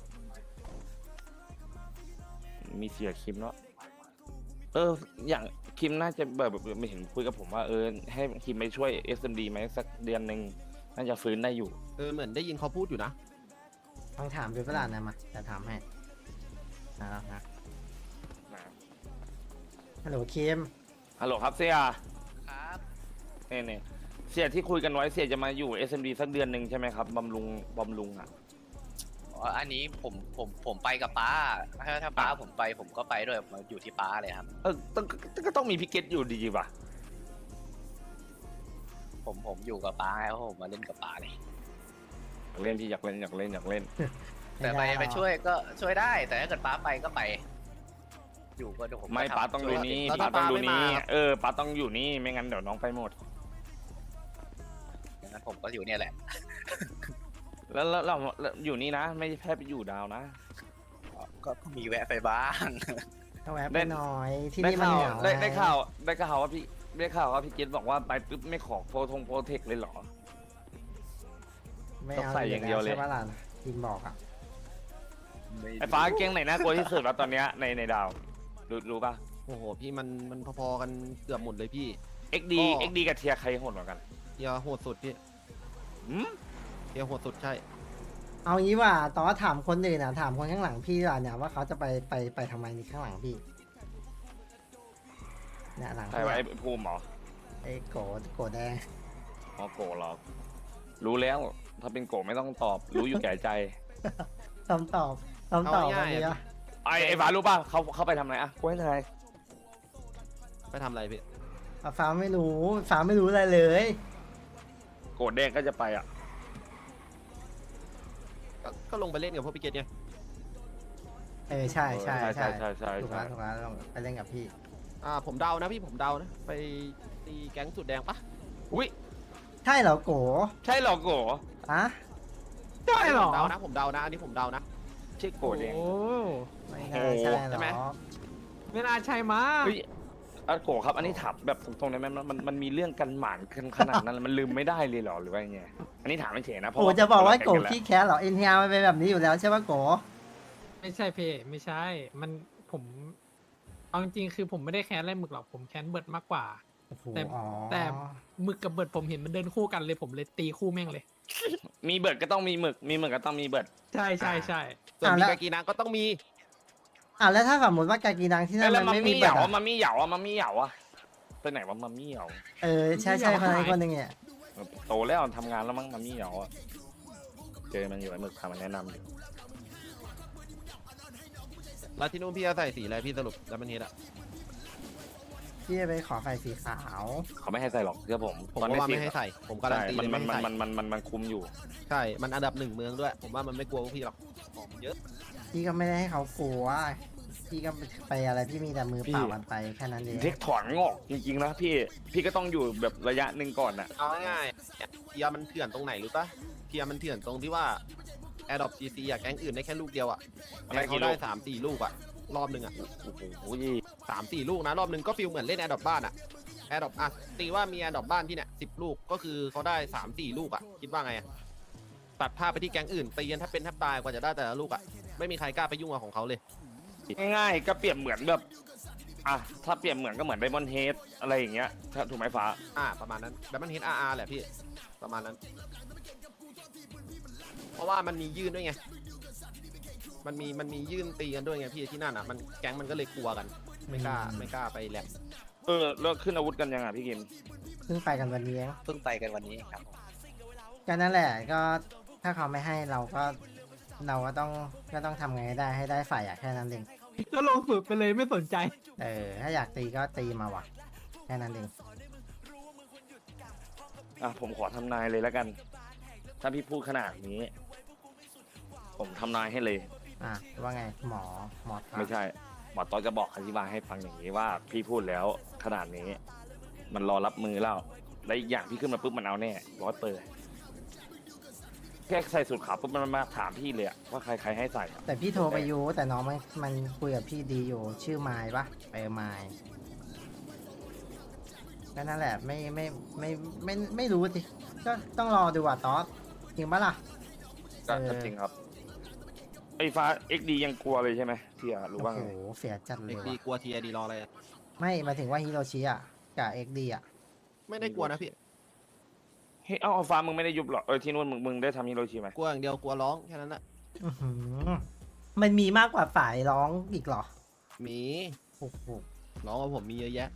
[SPEAKER 1] มีเสียคิมเนาะอย่างคิมน่าจะแบบไม่เห็นคุยกับผมว่าให้คิมไปช่วย SMD ไหมสักเดือนหนึ่งน่าจะฟื้นได้อยู่
[SPEAKER 2] เหมือนได้ยินเขาพูดอยู่นะ
[SPEAKER 3] ต้องถามดูเวลานะมาจะถามให้นะฮัลโหลคิม
[SPEAKER 1] ฮัลโหลครับเสีย
[SPEAKER 6] ครับ
[SPEAKER 1] เนี่ยเสียที่คุยกันไว้เสียจะมาอยู่ SMD สักเดือนหนึ่งใช่ไหมครับบำรุงอ่ะ
[SPEAKER 6] อันนี้ผมไปกับป้าถ้าป้าผมไปผมก็ไปด้วยมาอยู่ที่ป้าเลยครับ
[SPEAKER 1] ก็ต้องมีพิเกตอยู่ดีป่ะ
[SPEAKER 6] ผมอยู่กับป้าไงเพราะผมมาเล่นกับป้าเลย
[SPEAKER 1] อยากเล่นพี่อยากเล่น
[SPEAKER 6] แต่ไปช่วยก็ช่วยได้ แต่ถ้าเกิดป้าไปก็ไป อยู่ก็เดี๋ยวผมก็
[SPEAKER 1] ไม่
[SPEAKER 6] ทำ
[SPEAKER 1] ป้าต้องดูนี่
[SPEAKER 2] แล้ว
[SPEAKER 1] ป้า
[SPEAKER 2] ถ้า
[SPEAKER 1] ต้องดู
[SPEAKER 2] ป้าไม่
[SPEAKER 1] นี่
[SPEAKER 2] มา
[SPEAKER 1] ป้าต้องอยู่นี่ไม่งั้นเดี๋ยวน้องไปหมด
[SPEAKER 6] อย่างนั้นผมก็อยู่เนี่ยแหละ
[SPEAKER 1] แล้วเราอยู่นี่นะ ไม่แค่ไปอยู่ดาวนะ
[SPEAKER 6] ก็มีแวะไปบ้าง
[SPEAKER 3] ก็แวะ
[SPEAKER 1] ได้
[SPEAKER 3] ไปหน่อยที่
[SPEAKER 1] ได้
[SPEAKER 3] นี่มัน
[SPEAKER 1] ข่าว
[SPEAKER 3] เหงา
[SPEAKER 1] ได้
[SPEAKER 3] ง
[SPEAKER 1] ข่าวว่าพี่เกตบอกว่าไปปุ๊บไม่ขอโปรเทคเลยเหรอ
[SPEAKER 3] ไม่เอา
[SPEAKER 1] ต้องใส่อย่างเดียวเลย
[SPEAKER 3] ใช่ปะล่ะคิมบอกอะ
[SPEAKER 1] ไอ้ฟ้าเก้งไหนน่ากลัวที่สุดวะตอนเนี้ยในดาวรู้ป่ะ
[SPEAKER 2] โอ้โหพี่มันพอๆกันเกือบหมดเลยพี่
[SPEAKER 1] XD
[SPEAKER 2] ก็
[SPEAKER 1] XD กับเทียใครโหดกว่ากัน
[SPEAKER 2] เฮียโหดสุดพี่
[SPEAKER 1] หืม
[SPEAKER 2] เฮียโหดสุดใช่
[SPEAKER 3] เอางี้ว่าตอนถามคนอื่นนะถามคนข้างหลังพี่ดีกว่าเนี่ยว่าเขาจะไปทำไมนี่ข้างหลังพี่เนี่ยหลัง
[SPEAKER 1] ใคร
[SPEAKER 3] พี่
[SPEAKER 1] วะ
[SPEAKER 3] อะ
[SPEAKER 1] ไอ้ภูมิเหรอ
[SPEAKER 3] ไอ้โกแดง
[SPEAKER 1] อ๋อโกเหรอรู้แล้วถ้าเป็นโกไม่ต้องตอบ รู้อยู่แก่ใจ
[SPEAKER 3] คำตอบวันนี้อะ
[SPEAKER 1] ไอ้ฟ้ารู้ป่ะเขาไปทำอะไรอ่ะกูให้ทาย
[SPEAKER 2] ไปทำอะไรพี่
[SPEAKER 3] ฟ้าไม่รู้อะไรเลย
[SPEAKER 1] โกแดงก็จะไปอ่ะ
[SPEAKER 2] ก็ลงไปเล่นกับพวกพี่เกตไง
[SPEAKER 3] ใช่ถูกแล้ว
[SPEAKER 1] ใช่
[SPEAKER 3] ลองไปเล่นกับพี่
[SPEAKER 2] ผมเดานะพี่ผมเดานะ ไปตีแก๊งสุดแดงปะ
[SPEAKER 1] อุ้ย
[SPEAKER 3] ใช่เหรอโก
[SPEAKER 1] ใช่เหรอโก
[SPEAKER 3] อะ
[SPEAKER 7] ใช่เหรอ
[SPEAKER 2] ผมเดานะอันนี้ผมเดานะ
[SPEAKER 1] ชื่อโกแดง
[SPEAKER 7] โอ้
[SPEAKER 3] ไม่น่าใช่หร
[SPEAKER 2] ใช่ไหม
[SPEAKER 3] อ
[SPEAKER 7] ไม่น่าใช่มั้ง
[SPEAKER 1] เฮ้ยโกครับอันนี้ถามแบบตรงๆได้ไหมมันมีเรื่องกันหมานขนาดนั้นมันลืมไม่ได้เลยเหรอหรือว่าไงอันนี้ถามไม่เฉยนะเพ
[SPEAKER 3] โก
[SPEAKER 1] ราะ
[SPEAKER 3] จะบอกว่าโก
[SPEAKER 1] เรแข่งนแล้ว
[SPEAKER 3] ขี้แค้นเหรอเอ็นทีอาร์มันเป็นแบบนี้อยู่แล้วใช่ปะโก
[SPEAKER 7] ไม่ใช่เพไม่ใช่ มันผมเอาจริงๆคือผมไม่ได้แค้นอะไรหมึกหรอกผมแค้นเบิร์ดมากกว่า
[SPEAKER 3] โอ้โห
[SPEAKER 7] แต่
[SPEAKER 3] อ๋อ
[SPEAKER 7] แต่หมึกกับเบิร์ดผมเห็นมันเดินคู่กันเลยผมเลยตีคู่แม่งเลย
[SPEAKER 1] มีเบิร์ดก็ต้องมีหมึกมีหมึกก็ต้องมีเบิร์ด
[SPEAKER 7] ใช่ใช่ใช่
[SPEAKER 2] ส่วนมีกากีนังก็ต้องมี
[SPEAKER 3] แล้วถ้าสมมติว่ากากีนังที่นั่น
[SPEAKER 1] แล้ว
[SPEAKER 3] มัน
[SPEAKER 1] มั
[SPEAKER 3] ไม่
[SPEAKER 1] ม
[SPEAKER 3] มี
[SPEAKER 1] มี่เห
[SPEAKER 3] เบิร์
[SPEAKER 1] ยา
[SPEAKER 3] ด
[SPEAKER 1] มัมมี่เหยามัมมี่เหยาไปไหนวะมัมมี่เหยา
[SPEAKER 3] ใช่คนนึงเนี่ย
[SPEAKER 1] โตแล้วทำงานแล้วมั้งมัมมี่เหยาเจอมันอยู่ไอ้หมึกพามันแนะนำอยู่
[SPEAKER 2] แล้วที่นู่นพี่จะใส่สีอะไรพี่สรุปแล้วมันเฮ็ดอะ
[SPEAKER 3] พี่จะไปขอไฟสีขาว
[SPEAKER 1] เขาไม่ให้ใส่หรอกเชื่อผม
[SPEAKER 2] ผมก็ว่าไม่ให้ใส่ ผมการันตีเลย
[SPEAKER 1] มั
[SPEAKER 2] ไม่
[SPEAKER 1] น
[SPEAKER 2] ให้ใส่
[SPEAKER 1] มันคุมอยู่
[SPEAKER 2] ใช่ มันอันดับ1เมืองด้วย ผมว่ามันไม่กลัวพวกพี่หรอกของเยอะ
[SPEAKER 3] พี่ก็ไม่ได้ให้เขากลัวพี่ก็ไปอะไรพี่มีแต่มือเปล่ามันไปแค่นั้นเอง
[SPEAKER 1] เทคถอนงอกจริงๆนะพี่ก็ต้องอยู่แบบระยะหนึ่งก่อนน่ะ
[SPEAKER 2] เอาง่ายๆเทียร์มันเถื่อนตรงไหนรู้ปะเทียร์มันเถื่อนตรงที่ว่า Adopt GC อะแก๊งอื่นได้แค่ลูกเดียวอะ
[SPEAKER 1] มันได้
[SPEAKER 2] แก๊ง
[SPEAKER 1] กี่
[SPEAKER 2] เขา
[SPEAKER 1] ลู
[SPEAKER 2] ได้
[SPEAKER 1] ก
[SPEAKER 2] 3-4 ลูกอะรอบหนึ่งอะ
[SPEAKER 1] โอ้โห
[SPEAKER 2] 3-4 ลูกนะรอบหนึ่งก็ฟีลเหมือนเล่น Adopt บ้านอะ Adopt ตีว่ามี Adopt บ้านที่เนี่ย10 ลูกก็คือเขาได้3-4 ลูกอะคิดว่าไงอะตัดภาพไปที่แก๊งอื่นตีกันถ้าเป็นแทบตายกว่าจะได้แต่ละลูกอ่ะไม่มีใครกล้าไปยุ่งกับของเขาเลย
[SPEAKER 1] ง่ายๆก็เปรียบเหมือนแบบอ่ะถ้าเปรียบเหมือนก็เหมือนไดมอนด์เฮดอะไรอย่างเงี้ยถูกไหมฟ้า
[SPEAKER 2] ประมาณนั้นแต่มันเห็นแหละพี่ประมาณนั้น เพราะว่ามันมียื่นด้วยไงมันมียื่นตีกันด้วยไงพี่ที่นั่นอ่ะมันแก๊งมันก็เลยกลัวกันไม่กล้าไปแหลม
[SPEAKER 1] แล้วขึ้นอาวุธกันยังอ่ะพี่กิม
[SPEAKER 3] เพิ่งไปกันวันนี้เอง
[SPEAKER 6] เพิ่งไปกันวันนี้ครับ
[SPEAKER 3] ก็นั่นแหละก็ถ้าเขาไม่ให้เราก็ต้องทำไงได้ให้ได้ฝ่ายอะแค่นั้นเอง
[SPEAKER 7] ก็ลงฝึกไปเลยไม่สนใจ
[SPEAKER 3] ถ้าอยากตีก็ตีมาว่ะแค่นั้นเอง
[SPEAKER 1] อ่ะผมขอทำนายเลยแล้วกัน ถ้าพี่พูดขนาดนี้ ผมทำนายให้เลย
[SPEAKER 3] ว่าไงหมอถา
[SPEAKER 1] ไม่ใช่ หมอต้อยจะบอกอธิบายให้ฟังอย่างนี้ว่าพี่พูดแล้วขนาดนี้ มันรอรับมือแล้วและอีกอย่างพี่ขึ้นมาปุ๊บมันเอาแน่100%แค่ใส่สูตรขาวปุ๊บมันมาถามพี่เลยอะว่าใครให้ใส่อะ
[SPEAKER 3] แต่พี่โทรไปยูแต่น้องมันคุยกับพี่ดีอยู่ชื่อไมล์ปะไมล์ก็นั่นแหละไม่รู้สิก็ต้องรอดูว่าตอสจริงปะล่ะ
[SPEAKER 1] ก็จริงครับไอ้ฟ้า XD ยังกลัวเลยใช่ไหมเทียรู้ว่า
[SPEAKER 3] โอ้
[SPEAKER 1] ไง
[SPEAKER 3] โหเสียจัดเล
[SPEAKER 2] เด็
[SPEAKER 3] ย
[SPEAKER 2] กดี
[SPEAKER 3] ว่ะ
[SPEAKER 2] กลัวทีดีรออะไรอะ
[SPEAKER 3] ไม่หมายถึงว่าฮิโรชิอ่ะกับเอ็กดีอ่ะ
[SPEAKER 2] ไม่ได้กลัวนะพี่
[SPEAKER 1] เฮ้ยเอาฟ้ามึงไม่ได้ยุบหรอที่นู่นมึงได้ทำฮิโรชิไหม
[SPEAKER 2] กลัวอย่างเดียวกลัวร้องแค่นั้นแหละ
[SPEAKER 3] อื้อหือมันมีมากกว่าฝ่ายร้องอีกเหรอ
[SPEAKER 2] มี
[SPEAKER 3] โอ้โห
[SPEAKER 2] ร้องกับผมมีเยอะแยะ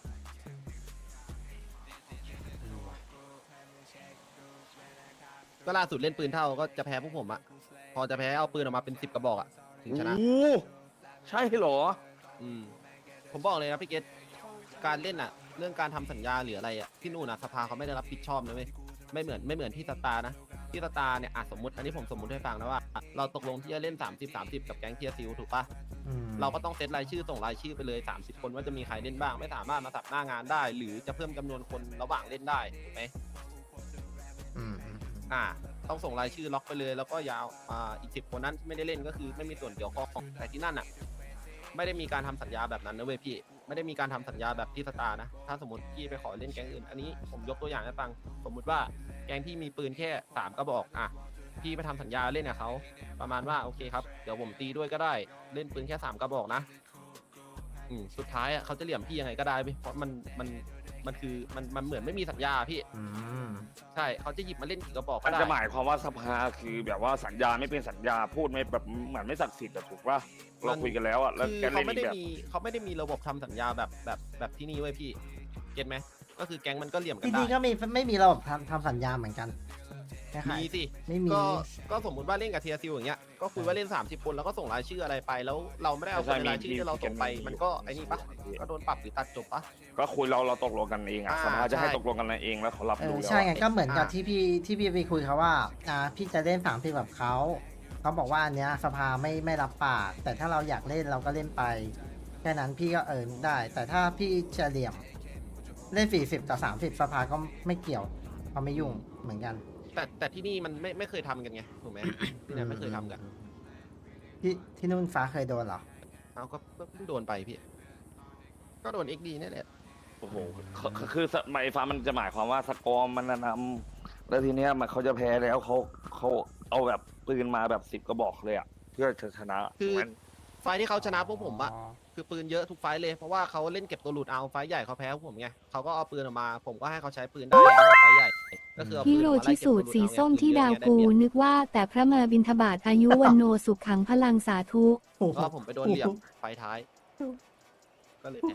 [SPEAKER 2] ก็ล่าสุดเล่นปืนเท่าก็จะแพ้พวกผมอะพอจะแพ้เอาปืนออกมาเป็น10 กระบอกอะถึงชนะ
[SPEAKER 1] โอ้ใช่เหรอ
[SPEAKER 2] ผมบอกเลยนะพี่เกตการเล่นอะเรื่องการทำสัญญาหรืออะไรอะที่นู่นอะสภาเขาไม่ได้รับผิดชอบนะเว้ยไม่เหมือนที่สตาร์นะที่สตาร์เนี่ยสมมติอันนี้ผมสมมติให้ฟังนะว่า เราตกลงที่จะเล่น30 กับแก๊งเทียซิลถูกปะ
[SPEAKER 3] อืม
[SPEAKER 2] เราก็ต้องเซตรายชื่อส่งรายชื่อไปเลย30 คนว่าจะมีใครเล่นบ้างไม่สามารถมาสับหน้างานได้ หรือจะเพิ่มจำนวนคนระหว่างเล่นได้ถูกไหม
[SPEAKER 3] อืม
[SPEAKER 2] ต้องส่งรายชื่อล็อกไปเลยแล้วก็ยาวอีก10 คนนั้นที่ไม่ได้เล่นก็คือไม่มีส่วนเกี่ยวข้องแต่ที่นั่นอะไม่ได้มีการทำสัญญาแบบนั้นนะเว้ยพี่ไม่ได้มีการทำสัญญาแบบที่สตาร์นะถ้าสมมติพี่ไปขอเล่นแก๊งอื่นอันนี้ผมยกตัวอย่างให้ฟังสมมุติว่าแก๊งพี่มีปืนแค่3 กระบอกพี่ไปทำสัญญาเล่นกับเขาประมาณว่าโอเคครับเดี๋ยวผมตีด้วยก็ได้เล่นปืนแค่3 กระบอกนะสุดท้ายเขาจะเหลี่ยมพี่ยังไงก็ได้เพราะมันคือมันเหมือนไม่มีสัญญาพี่
[SPEAKER 3] อืม
[SPEAKER 2] ใช่เขาจะหยิบมาเล่นกี่กระบอก
[SPEAKER 1] มั
[SPEAKER 2] ก็
[SPEAKER 1] น
[SPEAKER 2] ได้
[SPEAKER 1] จะหมายความว่าสภาคือแบบว่าสัญญาไม่เป็นสัญญาพูดไม่แบบเหมือนไม่ศักดิ์สิทธิ์อะถูกป่ะเราคุยกันแล้วอะแล้ว
[SPEAKER 2] คือ
[SPEAKER 1] แก
[SPEAKER 2] เขา
[SPEAKER 1] เล่น
[SPEAKER 2] ไม่
[SPEAKER 1] อี
[SPEAKER 2] ได้
[SPEAKER 1] กแบบ
[SPEAKER 2] มีเขาไม่ได้มีระบบทำสัญญาแบบที่นี่เว้ยพี่เก็ตไหมก็คือแก๊งมันก็เหลี่ยมกัน
[SPEAKER 3] ที่
[SPEAKER 2] ได้
[SPEAKER 3] นี่ก็ไม่มีระบบทำสัญญาเหมือนกันคล้ายๆ
[SPEAKER 2] มีสิ
[SPEAKER 3] ไม่มี
[SPEAKER 2] ก็สมมติว่าเล่นกับเทียซิลอย่างเงี้ยก็คุยว่าเล่น30 คนแล้วก็ส่งรายชื่ออะไรไปแล้วเราไม่ได้เอาคนในรายชื่อที่เราส่งไปมันก็ไอ้นี่ปะก็โดนปรับหรือตัดจบปะ
[SPEAKER 1] ก็คุยเราตกลงกันเองอะสภาจะให้ตกลงกันเองแล้วเขารับรู้แล้ว
[SPEAKER 3] ใช่ไง
[SPEAKER 1] อะ
[SPEAKER 3] ก็เหมือนกับที่พี่ไปคุยเขาว่าพี่จะเล่น30แบบเขาบอกว่าอันเนี้ยสภาไม่รับปากแต่ถ้าเราอยากเล่นเราก็เล่นไปแค่นั้นพี่ก็ได้ แต่ถ้าพี่จะเหลี่ยมเล่น40 ต่อ 30สภาก็ไม่เกี่ยวเขาไม่ยุ่งเหมือนกัน
[SPEAKER 2] แต่ที่นี่มันไม่เคยทำกันไงถูกไหม ที่ไหนไม่เคยทำกัน
[SPEAKER 3] ที่นู่นฟ้าเคยโดนเหรอ
[SPEAKER 2] เอาก็เพิ่งโดนไปพี่ก็โดน XD นี่แหละ
[SPEAKER 1] โอ้โหคือสมัยฟ้ามันจะหมายความว่าสกอร์มันนำแล้วทีเนี้ยมันเขาจะแพ้แล้วเขาเอาแบบปืนมาแบบ10 กระบอกเลยอะเพื่อจะชนะ
[SPEAKER 2] คือ
[SPEAKER 1] ถูกไหม
[SPEAKER 2] ไฟล์ที่เขาชนะพวกผมอะคือปืนเยอะทุกไฟล์เลยเพราะว่าเขาเล่นเก็บตัวหลุดเอาไฟล์ใหญ่เขาแพ้พวกผมไงเขาก็เอาปืนออกมาผมก็ให้เขาใช้ปืนได้แล้วไฟล์ใหญ่ก็คือเอาปื
[SPEAKER 4] ฮิ
[SPEAKER 2] น
[SPEAKER 4] โร
[SPEAKER 2] ออกมาไล่
[SPEAKER 4] ชิ
[SPEAKER 2] เก็บ
[SPEAKER 4] สู
[SPEAKER 2] ตัว
[SPEAKER 4] ต
[SPEAKER 2] ห
[SPEAKER 4] ร
[SPEAKER 2] ลุด
[SPEAKER 4] สี
[SPEAKER 2] เอาไง
[SPEAKER 4] ส้มที่
[SPEAKER 2] ปืนเย
[SPEAKER 4] ดา
[SPEAKER 2] อะ
[SPEAKER 4] ว
[SPEAKER 2] ไง
[SPEAKER 4] กู
[SPEAKER 2] ได้เปรียบ
[SPEAKER 4] นึกว่าแต่พระมาบินทบาทอายุวันโนสุขขังพลังสาธุ
[SPEAKER 2] ก็ผมไปโดนเหลี่ยมไฟล์ท้าย ก็เลยแพ้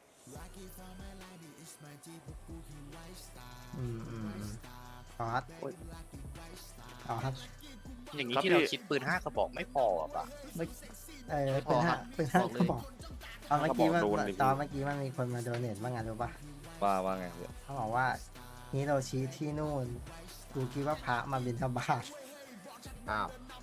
[SPEAKER 3] คอสคอส
[SPEAKER 6] อย่างนี้ที่เราคิดปืน5 กระบอกไม่พออ่ะปะ
[SPEAKER 3] เป็นห้าก็บอกตอนเมื่อกี้มันมีคนมาโดเนทบ้างไงรู้ปะ
[SPEAKER 1] ว่าไงพี่
[SPEAKER 3] เขาบอกว่าฮิโรชิที่นู่นกูคิดว่าพระมาบิณฑบาต
[SPEAKER 2] อ้าว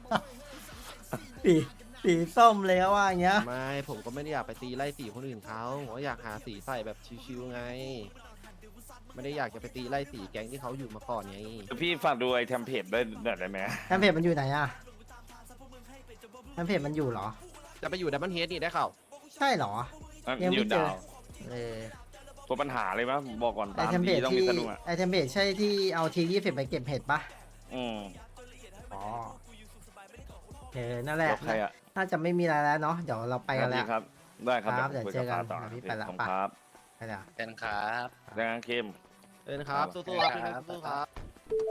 [SPEAKER 3] สีส้มเลยว่าอย่างเงี้ย
[SPEAKER 2] ไม่ผมก็ไม่ได้อยากไปตีไล่สีคนอื่นเขาผมก็อยากหาสีใส่แบบชิวๆไง ไม่ได้อยากจะไปตีไล่สีแก๊งที่เขาอยู่มาก่อนไง
[SPEAKER 1] พี่ฝากดูไอ้เทมเพลตได้ไหม
[SPEAKER 3] แอมเพจมันอยู่ไหนอะแอมเพจมันอยู่เหรอ
[SPEAKER 2] จะไปอยู่ดับเบิลเฮดนี่ได้ข่าว
[SPEAKER 3] ใช่เหรอ ยัง
[SPEAKER 1] อ
[SPEAKER 3] ไม่
[SPEAKER 1] ยู่
[SPEAKER 3] เจอ
[SPEAKER 1] ดาว ตัวปัญหาเลยมั้ยผมบอกก่อน
[SPEAKER 3] ไอ
[SPEAKER 1] ตาม
[SPEAKER 3] เทมเพ
[SPEAKER 1] ดี
[SPEAKER 3] จ
[SPEAKER 1] ต้องมี
[SPEAKER 3] ที่
[SPEAKER 1] สนุกอะ
[SPEAKER 3] ไอเทมเพจใช่ที่เอาที20ไปเก็บเห็ดปะนั่นแหละ
[SPEAKER 1] แล้วใครอะ
[SPEAKER 3] ถ้าจะไม่มีอะไรแล้วเนาะเดี๋ยวเราไปกันแล้ว
[SPEAKER 1] ครับได้ครับ
[SPEAKER 3] ครับเดี๋ยว
[SPEAKER 1] คุ
[SPEAKER 3] เจอกัน
[SPEAKER 1] บป้าต่อ
[SPEAKER 3] เดี๋ยวพี่ไปละ
[SPEAKER 1] ขอบ
[SPEAKER 3] ไป
[SPEAKER 1] คุณครับ
[SPEAKER 3] ไปแล้ว
[SPEAKER 6] เป็นครับ
[SPEAKER 1] แรงเข้ม
[SPEAKER 2] เออนะครับสู้ๆครับพี่เล็กสู้ๆครับ